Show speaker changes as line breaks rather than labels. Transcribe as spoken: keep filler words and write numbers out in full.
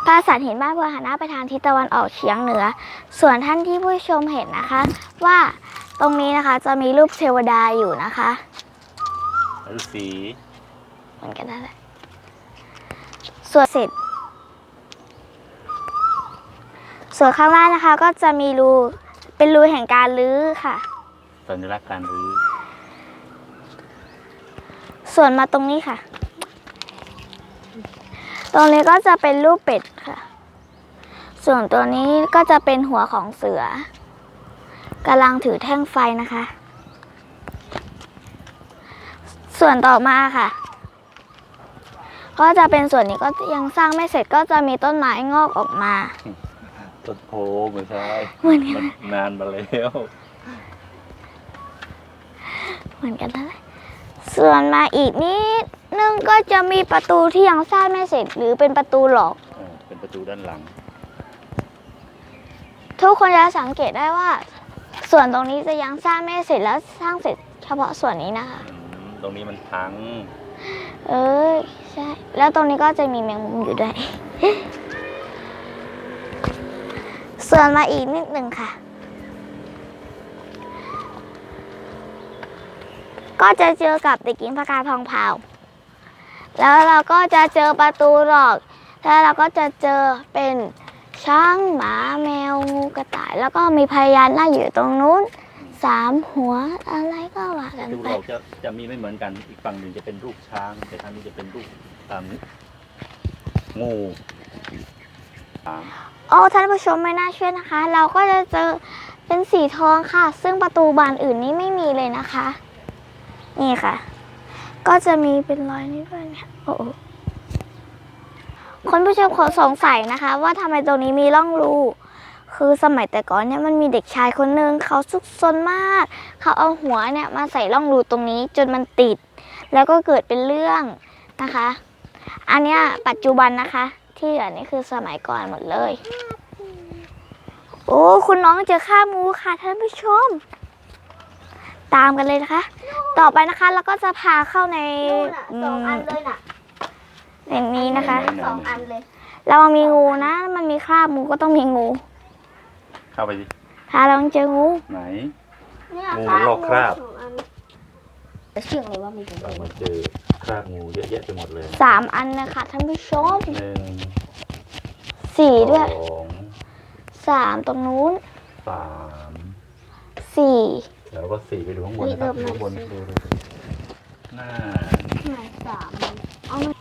ปราสาทหินบ้านบัวหันหน้าไปทางทิศตะวันออกเฉียงเหนือส่วนท่านที่ผู้ชมเห็นนะคะว่าตรงนี้นะคะจะมีรูปเทวดาอยู่นะคะ
ฤาษี
เหมือนกันนั่นแหละส่วนเสร็จส่วนข้างล่างนะคะก็จะมีรูเป็นรูแห่งการรื้อค่ะ
สัญลักษณ์การรื้อ
ส่วนมาตรงนี้ค่ะตรงนี้ก็จะเป็นรูปเป็ดค่ะส่วนตัวนี้ก็จะเป็นหัวของเสือกำลังถือแท่งไฟนะคะส่วนต่อมาค่ะก็จะเป็นส่วนนี้ก็ยังสร้างไม่เสร็จก็จะมีต้นไม้งอกออกมา
ต้นโพไม่ใช่
มัน
นานมาแล้ว
เหมือนกันนั่นแหละส่วนมาอีกนิดนึงก็จะมีประตูที่ยังสร้างไม่เสร็จหรือเป็นประตูหลอก
เป็นประตูด้านหลัง
ทุกคนจะสังเกตได้ว่าส่วนตรงนี้จะยังสร้างไม่เสร็จแล้วสร้างเสร็จเฉพาะส่วนนี้นะคะ
ตรงนี้มันพัง
เออใช่แล้วตรงนี้ก็จะมีแมงมุมอยู่ด้วย ส่วนมาอีกนิดหนึ่งค่ะก็จะเจอกับเด็กหญิงพกาทองเผาแล้วเราก็จะเจอประตูหลอกแล้วเราก็จะเจอเป็นช้างหมาแมวงูกระต่ายแล้วก็มีพญานาคอยู่ตรงนู้นสามหัวอะไรก็ว่ากันไป
ดูเราจะจะมีไม่เหมือนกันอีกฝั่งหนึ่งจะเป็นรูปช้างแต่ทางนี้จะเป็นรูปงู
โอ้ท่านผู้ชมไม่น่าเชื่อนะคะเราก็จะเจอเป็นสีทองค่ะซึ่งประตูบานอื่นนี้ไม่มีเลยนะคะนี่ค่ะก็จะมีเป็นรอยนี้ด้วยเนี่ยโอ้คนผู้ชมขอสงสัยนะคะว่าทำไมตรงนี้มีร่องรูคือสมัยแต่ก่อนเนี่ยมันมีเด็กชายคนนึงเขาซุกซนมากเขาเอาหัวเนี่ยมาใส่ร่องรูตรงนี้จนมันติดแล้วก็เกิดเป็นเรื่องนะคะอันเนี้ยปัจจุบันนะคะที่อันนี้คือสมัยก่อนหมดเลยโอ้คุณน้องเจอข้ามูค่ะท่านผู้ชมตามกันเลยนะคะต่อไปนะคะเราก็จะพาเข้าใน
สองอันเลยน่ะ
ในนี้นะคะ
สองอันเลย
เรามีงูนะมันมีคราบงูก็ต้องมีงู
เข้าไปดิ
พาเราเจองู
ไหนงูมันลอกคราบ
แต่เชื่อเลยว่ามีงู
เรามาเจอคราบงูเยอะแยะไปหมดเลย
สามอันนะคะท่านผู้ชม
หนึ่ง
สี่ด้วยสามตรงนู้น
สาม
สี่
แล้วก็สี่ไปดูข้างบนนะครับข้างบนดูดูหน้า
สาม